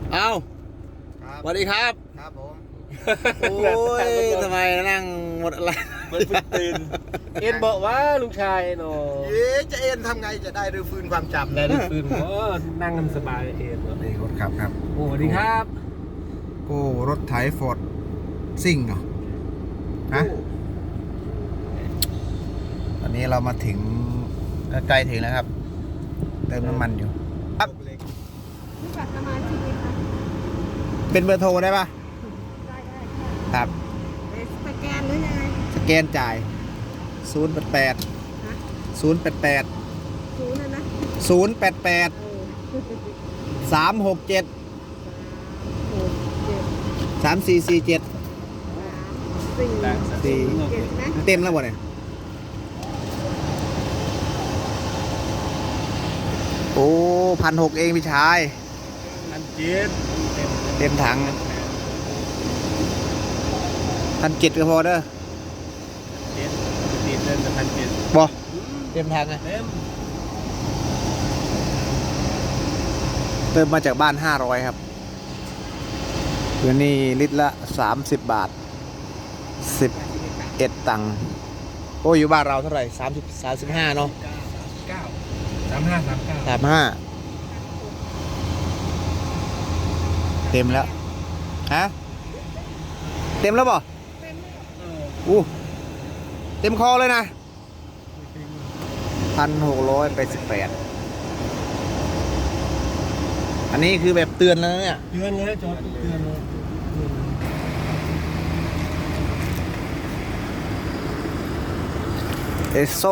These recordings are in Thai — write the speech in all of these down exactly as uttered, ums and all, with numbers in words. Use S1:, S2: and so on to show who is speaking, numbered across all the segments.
S1: เอาสวัสดีครับ
S2: ครับผม
S1: โอ้ยทำไมนั่งหมดอะไร
S3: เหมือนพึ่งตื่นเอ็นบอกว่าลุงชายเนาะ
S2: เอ๊ะจะเอ็นทำไงจะได้รื้อฟื้นความจำ
S3: ได้ได้ฟื้นโอ้นั่งกันสบายเอ็น
S2: นี่รถขับครับ
S3: โอ้สวัสดีครับ
S2: โอ้รถไถฟอร์ดซิ่งเนาะฮะตอนนี้เรามาถึงใกล้ถึงแล้วครับเติมน้ำมันอยู่ครับ
S4: รู้จักสมาชิกไหมคะ
S2: เป็นเบอร์โทรได้ปะ
S4: ได้ได้
S2: ครับ
S4: ค่ะสแกนหรือยังไง
S2: สแกนจ่ายศูนย์แปดแปด
S4: ฮะ
S2: ศูนย์แปดแปด
S4: ศูนย์นะนะ
S2: ศูนย์แปดแปด
S4: เออ
S2: สามหกเจ็ด
S4: หกเจ็ด
S2: สามสี่สี่เจ็ด
S4: สามสี่
S2: สี่
S4: เจ็ดนะ
S2: เต็มแล้วบ่เนี่ยโอ้พันหกเองพี่ชาย
S3: อันเจ็ด
S2: เต็มถังพันเจ็ดก็พอเด้อ
S3: เจ็ดติดเดินแต่พันเจ็ด
S2: บ่เต็มถังไง
S3: เต็ม
S2: เติมมาจากบ้านห้าร้อยครับเดี๋ยวนี้ลิตรละสามสิบบาทสิบเอ็ดตังค์โอ้อยู่บ้านเราเท่าไหร่สามสิบสามสิบห้าเนาะ
S3: เก้าสามห้าสามเก้า
S2: สามห้าเต็มแล้วฮะเต็มแล้วบ่
S3: เออ
S2: อู้เต็มคอเลยนะพันหกร้อยไปสิบแปดอันนี้คือแบบเตือนแล้วนะเนี่ย
S3: เตือนเลยจอดเตือนเลย
S2: เอสโซ่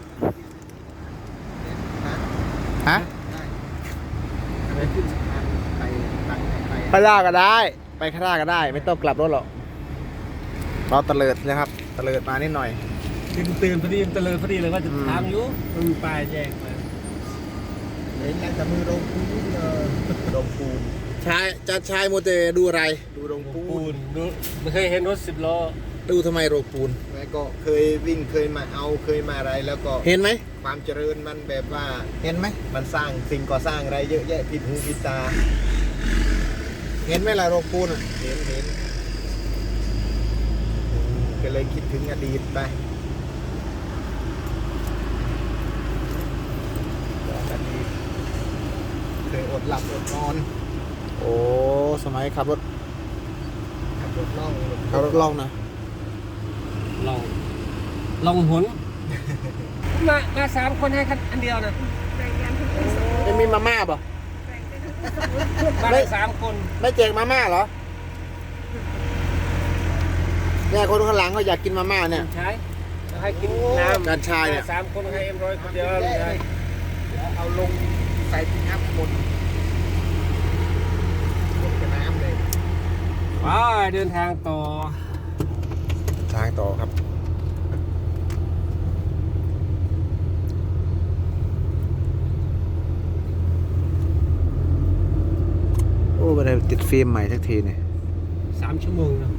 S2: ฮะ
S3: ไปขึ้นสะพานไปตั้งไป
S2: ไปล่าก็ได้ ไปข้างหน้าก็ได้ ไม่ต้องกลับรถหรอกเราตะเลิดนะครับตะเลิดมานิดหน่อย
S3: ตื่นตื่นพอดีตะเลยพอดีเลยว่าจะทางอยู่มันมีป้ายแจ้งมา
S2: เห็นยังจะมือลงปูนลงปูน
S1: ชายจัดชายโมเตดูอะไร
S2: ดูลงปู
S3: ปู
S2: น
S3: นดูไม่เคยเห็นรถสิบล้อ
S1: ดูทำไมโรปูน
S2: แล้วก็เคยวิ่งเคยมาเอาเคยมาอะไรแล้วก็
S1: เห็นไหม
S2: ความเจริญมันแบบว่าเห็นไหมมันสร้างสิ่งก่อสร้างอะไรเยอะแยะผิดหูผิดตา เห็นไหมล่ะโรงปูนอะเห็นเห็นอืมก็เลยคิดถึงอดีตไปย้อนอดีตเคยอดหลับอดนอน โอ้สมัยขับรถขับรถล่องขับรถล่องนะ
S3: ลองลองหนมามาสามคนให้คันอันเดียวนะ
S4: แบ่งกันทุกคนสมมติ
S1: ไม่มีมาม่าป่ะ
S4: แบ่งกันทุกคนสมมติ
S3: มาได้สามคน
S1: ไม่แจกมาม่าเหรอเนี่ยคนข้างหลังเขาอยากกินมาม่าเนี่ย
S3: ใช้ให้กินน้ำ
S1: การชายเนี่ย
S3: สามคนให้เอ็มร้อยคนเดียวใช่
S2: เอาลงใส่ปิกอัพหมดหมดกับน้ำเลย
S3: ว้าเดินทางต่อ
S2: ทางต่อครับโอ้ไม่ได้ติดฟิล์มใหม่สักทีเนี่ย
S3: สามชั่วโมงนะ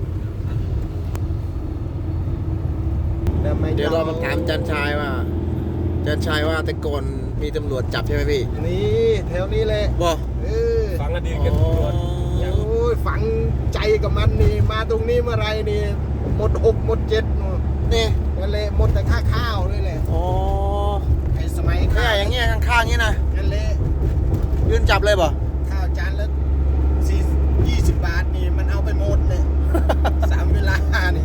S1: เดี๋ยวเรามาถามจันชายว่า จันชายว่าแต่ก่อนมีตำรวจจับใช่ไหมพี่
S2: นี่แถวนี้แหละ
S1: บ่
S2: เออ
S3: ฟังอดีตกันตำรวจ
S2: โอ้ยฝังใจกับมันนี่มาตรงนี้เมื่อไรนี่หมดหกหมดเจ็ดนู่น
S1: นี่
S2: นั่นแหละหมดแต่ค่าข้าวเลยแหละ
S1: อ๋อ
S2: ไอ้สมัย
S1: แค่
S2: ข้าว
S1: อย่างเงี้ยข้างๆงี้นะ
S2: นั่นแหละ
S1: ยืนจับเลยบ่
S2: ข้าวจานละสี่ยี่สิบบาทนี่มันเอาไปหมดเลย สามเวลานี่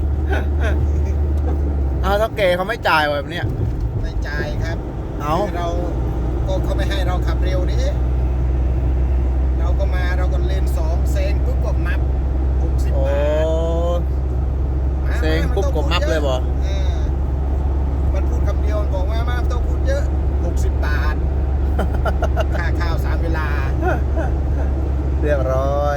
S1: เอาเท่าแก่เขาไม่จ่ายแบบเนี้ย
S2: ไม่จ่ายครับ
S1: เอา
S2: คือเราก็เขาไม่ให้เราขับเร็วนี่เราก็มาเราก็เลนสองเซงปุ๊บก็มับหกสิบ
S1: โอ้
S2: บาทมา
S1: เซงปุ๊บก็มับเลยบ่
S2: เออมันพูดคำเดียวมันบอกว่ามาไม่ต้องพูดเยอะหกสิบบาท ค่าข้าวสามเวลา
S1: เรียบร้อย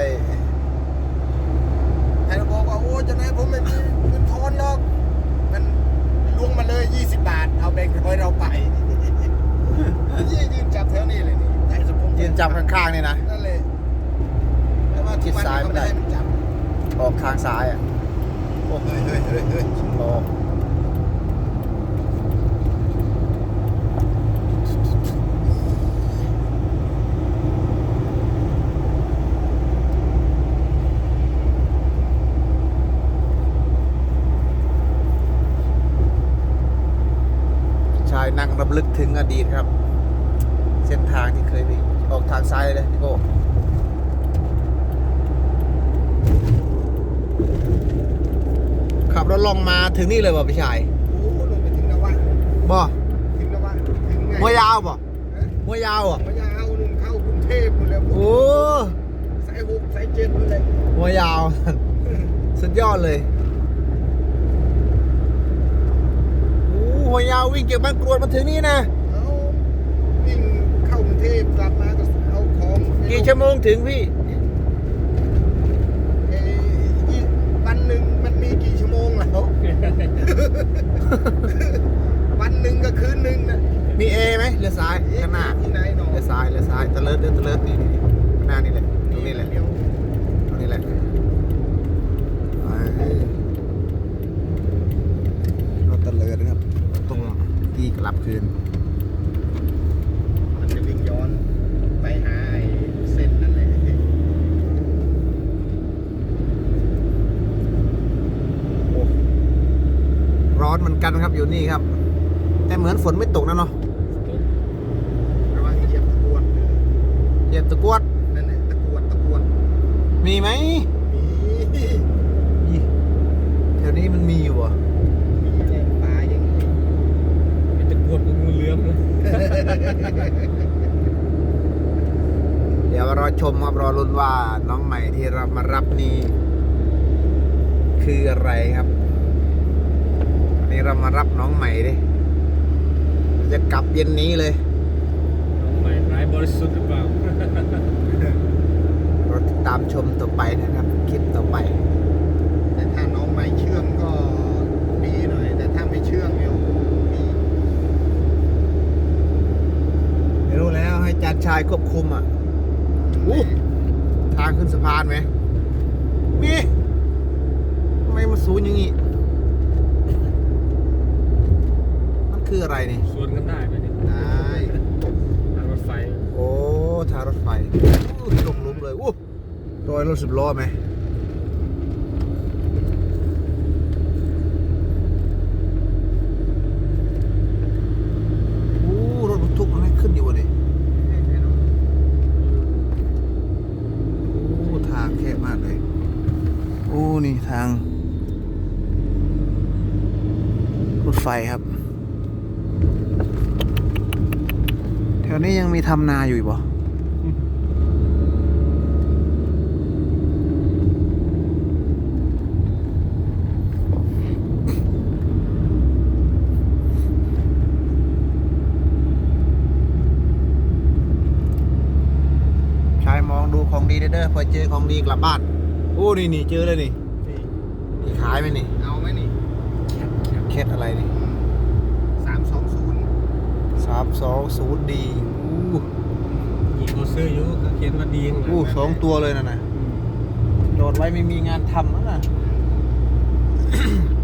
S2: ใครบอกว่าโอ้เจะนายผมไม่มีเงินทอนหรอกมันลวงมาเลยยี่สิบบาท เอาแบงค์ร้อยเราไป ยี่ยืนจับแถวนี้เลยนี่ได้สมพงษ์
S1: ยืนจับข้างๆนี่นะ
S2: นั่นเลยแต่ว่า
S1: ชิดซ้ายไม่ได้
S2: ให้มันจับ
S1: ออกทางซ้ายอ่ะ
S2: โอ้เฮ้ยเฮ้ยเฮ้ยเฮ้ย
S1: รอ
S2: รำลึกถึงอดีตครับ เส้นทางที่เคยไปออกทางซ้ายเลยพี่โก้ขับรถลงมาถึงนี่เลยบ่พี่ชาย
S1: โอ้ลงไปถึงนวะ
S2: บ่
S1: ถึงนวะถึงไง
S2: หัวยาวบ่หัวยาวอ่ะ
S1: มายาวนุ่นเข้ากรุงเทพหมดแล้ว
S2: โอ้
S1: สายหกสายเจ็ดหมดเลย
S2: หัวยาว สุดยอดเลยโอ้หัวยาววิ่งเก็บบ้านกรวดมาถึงนี่นะ
S1: เอาวิ่งเข้ากรุงเทพกลับมาก็เอาของไป
S2: กี่ชั่วโมงถึงพี่
S1: เอ่ออีกวันหนึ่งมันมีกี่ชั่วโมงแล้ว วันหนึ่งก็คืนหนึ่งนะ
S2: มีเอไหมเรือซ้ายข้างหน้า
S1: ที่ไหนหนอ
S2: เรือซ้ายเรือซ้ายตะเลิดเรือตะเลิดนี่นี่นี่ข้างหน้านี่แหละตรงนี้แหละ
S1: เดียว
S2: ตรงนี้แหละรถตะเลิดนะครับตรงที่กลับคืน
S1: มันจะวิ่งย้อนไปหาไอ้เส้นนั่นแหละ
S2: โอ้ร้อนเหมือนกันครับอยู่นี่ครับ แต่เหมือนฝนไม่ตกนะเนาะ
S1: ระวังเหยียบตะกรวด
S2: เหยียบตะกรวด
S1: นั่นแหละตะกรวดตะกรวด
S2: มีไหม
S1: มี
S2: อีแถวนี้มันมีอยู่เหรอ
S1: มีแหล่งปลาอย่างนี้
S3: เป็นตะกรวดกับงูเหลือมเลย
S2: เดี๋ยวรอชมครับรอลุ้นว่าน้องใหม่ที่เรามารับนี่คืออะไรครับวันนี้เรามารับน้องใหม่ดิจะกลับเย็นนี้เลย
S3: น้องใหม่ร้ายบริสุทธิ์หรือเปล่า
S2: เราติดตามชมต่อไปนะครับคลิปต่อไป
S1: แต่ถ้าน้องไม่เชื่องก็ดีหน่อย แต่ถ้าไม่เชื่องเนี่ยมี
S2: ไม่รู้แล้วให้จานชายควบคุมอ่ะอู้ทางขึ้นสะพานไหมมีทำไมมันสูงอย่างงี้มันคืออะไรนี่
S3: สวนกันได้ไหมเนี่ย
S1: ได้
S3: ทางรถไฟ
S2: โอ้ทางรถไฟอู้ลงหลุมเลยอู้รอยรถสิบล้อไหมอู้รถบรรทุกมันไม่ขึ้นอยู่วะนี่โอ้ทางแคบมากเลยโอ้นี่ทางรถไฟครับแถวนี้ยังมีทำนาอยู่อีกบ่ชายมองดูของดีเด้อพอเจอของดีกลับบ้านโอ้นี่นี่เจอเลยนี่
S1: นี่
S2: มีขายไหมนี่
S1: เอาไหมนี่
S2: เคสอะไรนี่
S1: สามสองศูนย์
S2: สามสองศูนย์ดีอู้
S3: ยิงเขาซื้ออยู่ก็เขียนว่าดีข้างหลัง
S2: อู้สองตัวเลยนะนะโดดไว้ไม่มีงานทำแล้วนะ